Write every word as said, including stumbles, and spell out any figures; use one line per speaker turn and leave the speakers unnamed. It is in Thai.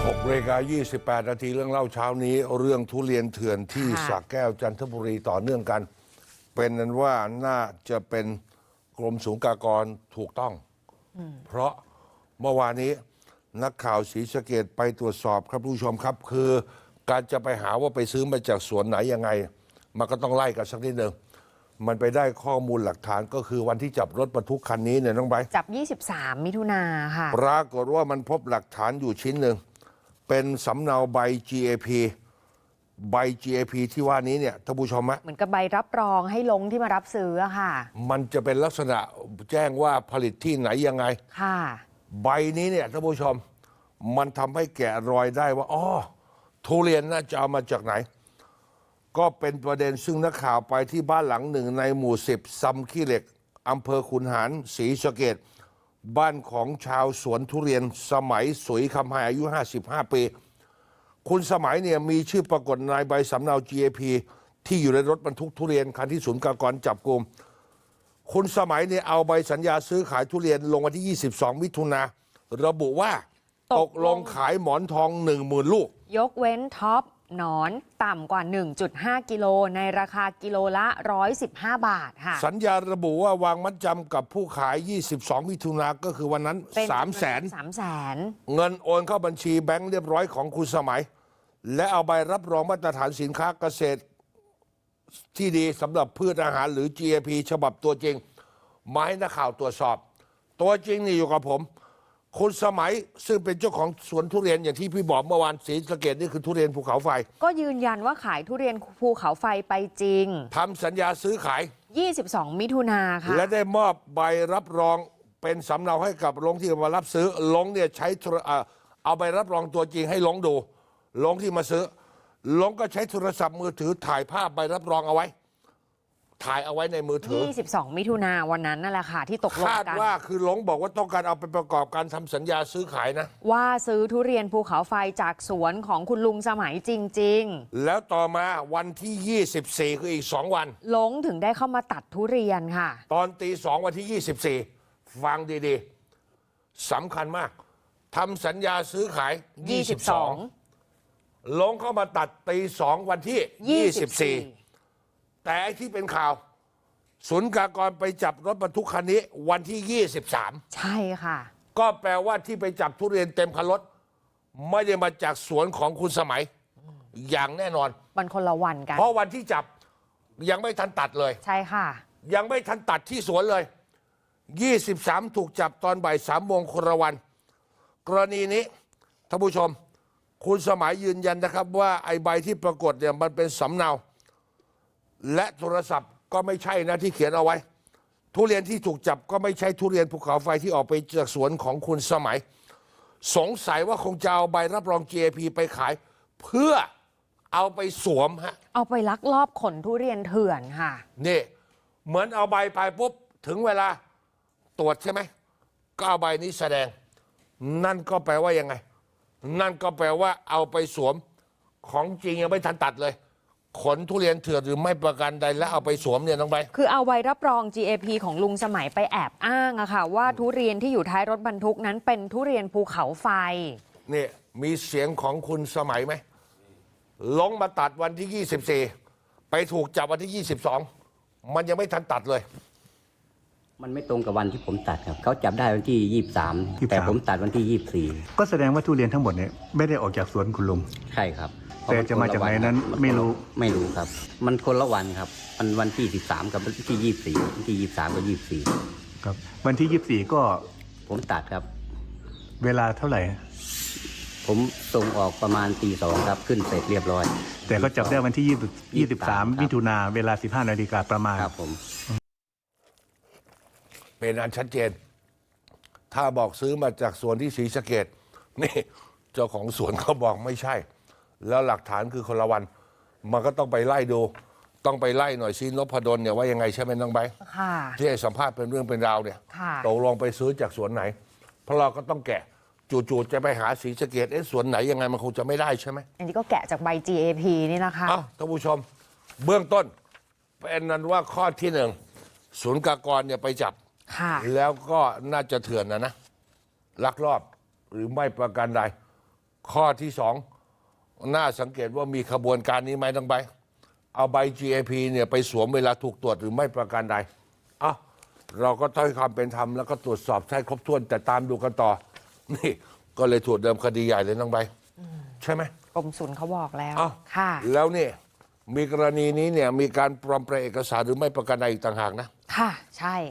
หกนาฬิกายี่สิบแปดนาทีเรื่องเล่าเช้านี้เรื่องทุเรียนเถื่อนที่สระแก้วจันทบุรีต่อเนื่องกันเป็นนั้นว่าน่าจะเป็นกรมศุลกากรถูกต้องเพราะเมื่อวานนี้นักข่าวศรีสะเกษไปตรวจสอบครับผู้ชมครับคือการจะไปหาว่าไปซื้อมาจากสวนไหนยังไงมันก็ต้องไล่กันสักนิดหนึ่งมันไปได้ข้อมูลหลักฐานก็คือวันที่จับรถบรรทุกคันนี้เนี่ยน้องไบร์ท
จับยี่สิบสามมิถุนาค่ะ
ปรากฏว่ามันพบหลักฐานอยู่ชิ้นหนึ่งเป็นสำเนาใบ จี เอ พี ใบ จี เอ พี ที่ว่านี้เนี่ยท่านผู้ชมฮะ
เหมือนกับใบรับรองให้ลงที่มารับซื้อค่ะ
มันจะเป็นลักษณะแจ้งว่าผลิตที่ไหนยังไง
ค่ะ
ใบนี้เนี่ยท่านผู้ชมมันทำให้แกะรอยได้ว่าอ๋อทุเรียนน่าจะเอามาจากไหนก็เป็นประเด็นซึ่งนักข่าวไปที่บ้านหลังหนึ่งในหมู่สิบซำขี้เหล็กอำเภอขุนหารศรีสะเกษบ้านของชาวสวนทุเรียนสมัยสุยคำไฮอายุห้าสิบห้าปีคุณสมัยเนี่ยมีชื่อปรากฏในใบสำเนา จี เอ พี ที่อยู่ในรถบรรทุกทุเรียนคันที่ศูนย์กากรจับกุมคุณสมัยเนี่ยเอาใบสัญญาซื้อขายทุเรียนลงวันที่ยี่สิบสองมิถุนาระบุว่าตกลงขายหมอนทอง หนึ่งหมื่น ลูก
ยกเว้นท็อปหนอนต่ำกว่า หนึ่งจุดห้า กิโลในราคากิโลละหนึ่งร้อยสิบห้าบาทค่ะ
สัญญาระบุว่าวางมัดจำกับผู้ขายยี่สิบสองมิถุนาก็คือวันนั้น สามแสน
สามแสน
เงินโอนเข้าบัญชีแบงค์เรียบร้อยของคุณสมัยและเอาใบรับรองมาตรฐานสินค้าเกษตรที่ดีสำหรับพืชอาหารหรือ จี เอ พี ฉบับตัวจริงมาให้นักข่าวตรวจสอบตัวจริงนี่อยู่กับผมคุณสมัยซึ่งเป็นเจ้าของสวนทุเรียนอย่างที่พี่บอกเมื่อวานศรีสะเกษนี่คือทุเรียนภูเขาไฟ
ก็ยืนยันว่าขายทุเรียนภูเขาไฟไปจริง
ทำสัญญาซื้อขาย
ยี่สิบสองมิถุนาค่ะ
และได้มอบใบรับรองเป็นสำเนาให้กับลงที่มารับซื้อลงเนี่ยใช้เอาใบรับรองตัวจริงให้ลงดูลงที่มาซื้อลงก็ใช้โทรศัพท์มือถือถ่ายภาพใบรับรองเอาไว้ถ่ายเอาไว้ในมือถือ
ยี่สิบสองมิถุนาวันนั้นนั่นแหละค่ะที่ตกลงกันคาด
ว่าคือหลงบอกว่าต้องการเอาไปประกอบการทำสัญญาซื้อขายนะ
ว่าซื้อทุเรียนภูเขาไฟจากสวนของคุณลุงสมัยจริง
ๆแล้วต่อมาวันที่ยี่สิบสี่คืออีกสองวัน
หลงถึงได้เข้ามาตัดทุเรียนค่ะ
ตอนตีสองวันที่ยี่สิบสี่ฟังดีๆสำคัญมากทำสัญญาซื้อขายยี่สิบสองลงเข้ามาตัดตีสองวันที่ยี่สิบสี่แต่ไอ้ที่เป็นข่าวศูนย์กากรไปจับรถบรรทุกคันนี้วันที่ยี่สิบสาม
ใช่ค่ะ
ก็แปลว่าที่ไปจับทุเรียนเต็มคันรถไม่ได้มาจากสวนของคุณสมัยอย่างแน่นอน
มันคนละวันกัน
เพราะวันที่จับยังไม่ทันตัดเลย
ใช่ค่ะ
ยังไม่ทันตัดที่สวนเลยยี่สิบสามถูกจับตอนบ่ายสามโมงคนละวันกรณีนี้ท่านผู้ชมคุณสมัยยืนยันนะครับว่าไอ้ใบที่ปรากฏเนี่ยมันเป็นสำเนาและโทรศัพท์ก็ไม่ใช่นะที่เขียนเอาไว้ทุเรียนที่ถูกจับก็ไม่ใช่ทุเรียนภูเขาไฟที่ออกไปจากสวนของคุณสมัยสงสัยว่าคงจะเอาใบรับรอง จี เอ พี ไปขายเพื่อเอาไปสวมฮะ
เอาไปลักลอบขนทุเรียนเถื่อนค่ะ
นี่เหมือนเอาใบไปปุ๊บถึงเวลาตรวจใช่ไหมก็เอาใบนี้แสดงนั่นก็แปลว่ายังไงนั่นก็แปลว่าเอาไปสวมของจริงยังไม่ทันตัดเลยขนทุเรียนเถื่อนหรือไม่ประกันใดแล้วเอาไปสวมเนี่ยน้องใบ
คือเอาใบรับรอง จี เอ พี ของลุงสมัยไปแอบอ้างอะค่ะว่าทุเรียนที่อยู่ท้ายรถบรรทุกนั้นเป็นทุเรียนภูเขาไฟ
นี่มีเสียงของคุณสมัยไหมลงมาตัดวันที่ยี่สิบสี่ไปถูกจับวันที่ยี่สิบสองมันยังไม่ทันตัดเลย
มันไม่ตรงกับวันที่ผมตัดครับเขาจับได้วันที่ยี่สิบสามแต่ผมตัดวันที่ยี่สิบสี่
ก็แสดงว่าทุเรียนทั้งหมดเนี่ยไม่ได้ออกจากสวนคุณลุง
ใช่ครับ
แต่จะมาจากไหนนั้นไม่รู้
ไม่รู้ครับมันคนละวันครับมันวันที่สิบสามกับวันที่ยี่สิบสี่วันที่ยี่สิบสามกับยี่สิบสี่
ครับวันที่ยี่สิบสี่ก็
ผมตัดครับ
เวลาเท่าไหร่
ผมส่งออกประมาณตีสองครับขึ้นเสร็จเรียบร้อย
แต่ก็จับได้วันที่ยี่สิบสามมิถุนาเวลาสิบห้านาฬิกาประมาณ
ครับผม
เป็นอันชัดเจนถ้าบอกซื้อมาจากสวนที่ศรีสะเกษนี่เจ้าของสวนเขาบอกไม่ใช่แล้วหลักฐานคือคนละวันมันก็ต้องไปไล่ดูต้องไปไล่หน่อยซินพดลเนี่ยว่ายังไงใช่ไหมน้องใบที่ให้สัมภาษณ์เป็นเรื่องเป็นราวเนี่ยตกลงไปซื้อจากสวนไหนเพราะเราก็ต้องแกะจู่ๆจะไปหาศรีสะเกษเอ๊ะสวนไหนยังไงมันคงจะไม่ได้ใช่ไหม
อันนี้ก็แกะจากใบ จี เอ พี นี่นะคะ
อ้าวท่านผู้ชมเบื้องต้นเป็นนั้นว่าข้อที่หนึ่งศูนย์กากรเนี่ยไปจับแล้วก็น่าจะเถื่อนนะนะลักลอบหรือไม่ประกันใดข้อที่สองน่าสังเกตว่ามีขบวนการนี้ไหมทั้งใบเอาใบ จี เอ พี เนี่ยไปสวมเวลาถูกตรวจหรือไม่ประการใดอ่ะเราก็ต้องให้ความเป็นธรรมแล้วก็ตรวจสอบให้ครบถ้วนแต่ตามดูกันต่อ นี่ก็เลยถูกเดิมคดีใหญ่เลยน้องใบใช่ไหม
กรมศุลเขาบอกแล้ว
อ้าว
ค่ะ
แล้วนี่มีกรณีนี้เนี่ยมีการปลอมแปลงเอกสารหรือไม่ประการใดอีกต่างหากนะ
ค่ะ ใช่